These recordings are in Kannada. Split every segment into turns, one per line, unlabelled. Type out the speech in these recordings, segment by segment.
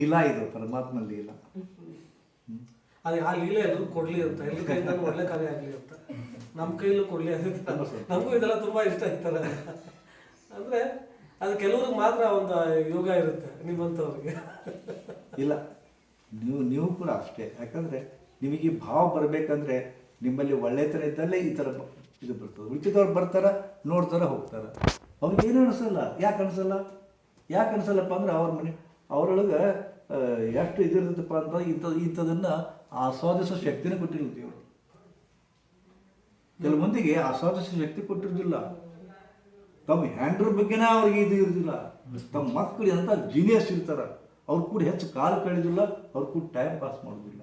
ಇಲ್ಲ, ಇದು ಪರಮಾತ್ಮಲ್ಲಿ ಇಲ್ಲ.
ಅದೇ ಆ ಲೀಲೆ ಅದು ಕೊಡ್ಲಿ ಅಂತ, ಎಲ್ಲರ ಕೈಯಿಂದ ಒಳ್ಳೆ ಕಾರ್ಯ ಆಗಲಿ ಅಂತ ನಮ್ಮ ಕೈಲೂ ಕೊಡ್ಲಿ ಅಂತ. ನಮಗೂ ಇದೆಲ್ಲ ತುಂಬಾ ಇಷ್ಟ ಇರ್ತಾರೆ. ಅಂದ್ರೆ ಅದು ಕೆಲವ್ರಿಗೆ ಮಾತ್ರ ಒಂದು ಯೋಗ ಇರುತ್ತೆ, ನಿಮ್ಮಂಥವ್ರಿಗೆ
ಇಲ್ಲ. ನೀವು ಕೂಡ ಅಷ್ಟೇ. ಯಾಕಂದ್ರೆ ನಿಮಗೆ ಭಾವ ಬರಬೇಕಂದ್ರೆ ನಿಮ್ಮಲ್ಲಿ ಒಳ್ಳೆತನ ಇದ್ದಲ್ಲೇ ಈ ಥರ ಇದು ಬರ್ತದೆ. ಉಳಿದವ್ರು ಬರ್ತಾರ, ನೋಡ್ತಾರ, ಹೋಗ್ತಾರ. ಅವ್ರಿಗೆ ಏನು ಅನಿಸಲ್ಲ. ಯಾಕೆ ಅನಿಸಲ್ಲಪ್ಪ ಅಂದ್ರೆ ಅವ್ರ ಮನೆ ಅವರೊಳಗೆ ಎಷ್ಟು ಇದಿರ್ತದಪ್ಪ ಅಂತ ಇಂಥದನ್ನು ಆಸ್ವಾದಿಸೋ ಶಕ್ತಿನೇ ಕೊಟ್ಟಿಲ್ಲ ದೇವರು. ಕೆಲವು ಮಂದಿಗೆ ಆಸ್ವಾದಿಸೋ ಶಕ್ತಿ ಕೊಟ್ಟಿರೋದಿಲ್ಲ. ತಮ್ಮ ಹ್ಯಾಂಡ್ರ ಬಗ್ಗೆನೇ ಅವ್ರಿಗೆ ಇದು ಇರೋದಿಲ್ಲ. ತಮ್ಮ ಮಕ್ಕಳು ಅಂತ ಜೀನಿಯಸ್ ಇರ್ತಾರೆ, ಅವ್ರು ಕೂಡ ಹೆಚ್ಚು ಕಾಲ ಕಳೆದಿಲ್ಲ, ಅವ್ರು ಕೂಡ ಟೈಮ್ ಪಾಸ್ ಮಾಡೋದಿಲ್ಲ.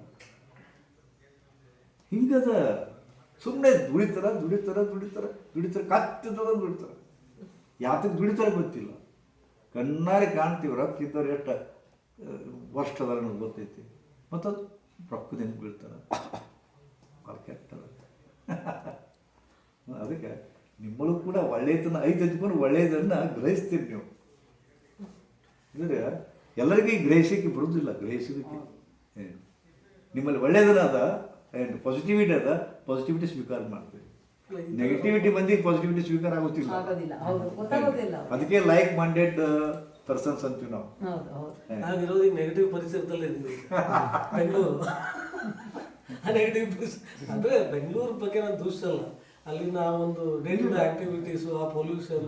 ಹಿಂಗದ ಸುಮ್ಮನೆ ದುಡಿತಾರೆ, ಕತ್ತಿದ್ದದ ದುಡಿತಾರೆ. ಯಾತಕ್ಕೆ ದುಡಿತಾರೆ ಗೊತ್ತಿಲ್ಲ. ಕಣ್ಣಾರೆ ಕಾಣ್ತೀವಿ, ರೊಕ್ಕ ಇದ್ದವ್ರು ಎಷ್ಟು ವರ್ಷ ಅದಾರ ನಮ್ಗೆ ಗೊತ್ತೈತಿ. ಮತ್ತು ಅದು ರೊಕ್ಕದಿಂದ ಬೀಳ್ತಾರೆ, ಅವ್ರು ಕೆಟ್ಟದ. ಅದಕ್ಕೆ ನಿಮ್ಮಲ್ಲೂ ಕೂಡ ಒಳ್ಳೆಯದನ್ನು ಐದು ಒಳ್ಳೆಯದನ್ನು ಗ್ರಹಿಸ್ತೀರಿ ನೀವು. ಅಂದರೆ ಎಲ್ಲರಿಗೂ ಗ್ರಹಿಸೋಕ್ಕೆ ಬರೋದಿಲ್ಲ. ಗ್ರಹಿಸೋದಕ್ಕೆ ನಿಮ್ಮಲ್ಲಿ ಒಳ್ಳೆಯದನ್ನ ಅದ, ಪಾಸಿಟಿವಿಟಿ ಅದ, ಪಾಸಿಟಿವಿಟಿ ಸ್ವೀಕಾರ ಮಾಡ್ತೀವಿ. ನೆಗೆಟಿವಿಟಿ ಮಂದಿಗೆ ಪಾಸಿಟಿವಿಟಿ ಸ್ವೀಕಾರ ಆಗೋದಿಲ್ಲ. ಅದಕ್ಕೆ ಲೈಕ್ ಮೈಂಡೆಡ್ ಪರ್ಸನ್ಸ್ ಅಂತೀವಿ ನಾವು.
ನಾವಿರೋದು ಈಗ ನೆಗೆಟಿವ್ ಪರಿಸರದಲ್ಲೇ ಇದ್ದೀವಿ. ಬೆಂಗಳೂರು ನೆಗೆಟಿವ್ ಅಂದ್ರೆ ಬೆಂಗಳೂರು ಬಗ್ಗೆ ನಾನು ದೂಷಿಸಲ್ಲ. ಅಲ್ಲಿನ ಒಂದು ಡೇ ಟು ಡೇ ಆಕ್ಟಿವಿಟೀಸ್, ಆ ಪೊಲ್ಯೂಷನ್,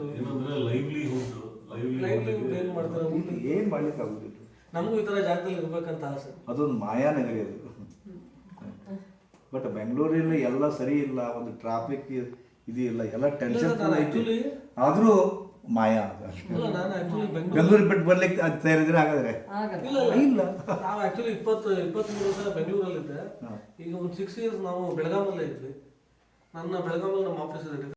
ಏನ್ ಮಾಡ್ತಾರೆ,
ಏನ್ ಮಾಡ್ಲಿಕ್ಕೆ ಆಗುದಿಲ್ಲ.
ನಮಗೂ ಈ ತರ ಜಾಗದಲ್ಲಿ ಇರ್ಬೇಕಂತ ಆಸೆ.
ಅದೊಂದು ಮಾಯಾನಗರಿ ಅದು. ಬಟ್ ಬೆಂಗಳೂರಲ್ಲಿ ಎಲ್ಲ ಸರಿ ಇಲ್ಲ, ಒಂದು ಟ್ರಾಫಿಕ್ ಇದು ಇಲ್ಲ, ಎಲ್ಲ ಟೆನ್ಷನ್ ಐತಿ. ಆದ್ರೂ ಮಾಯಾ ಅದು. ಬೆಂಗಳೂರು ಬಿಟ್ಟು ಬರ್ಲಿಕ್ಕೆ ಅದು ಸೇರಿದ್ರೆ ಹಾಗಾದ್ರೆ
ಇಲ್ಲ. ನಾವು ಆಕ್ಚುಲಿ 23 ವರ್ಷ ಬೆಂಗಳೂರಲ್ಲಿದ್ದೆ. ಈಗ ಒಂದು 6 years ನಾವು ಬೆಳಗಾಮಲ್ಲೇ ಇದ್ವಿ. ನನ್ನ ಬೆಳಗಾಮಲ್ಲಿ ನಮ್ಮ ಆಫೀಸ್ ಇದೆ.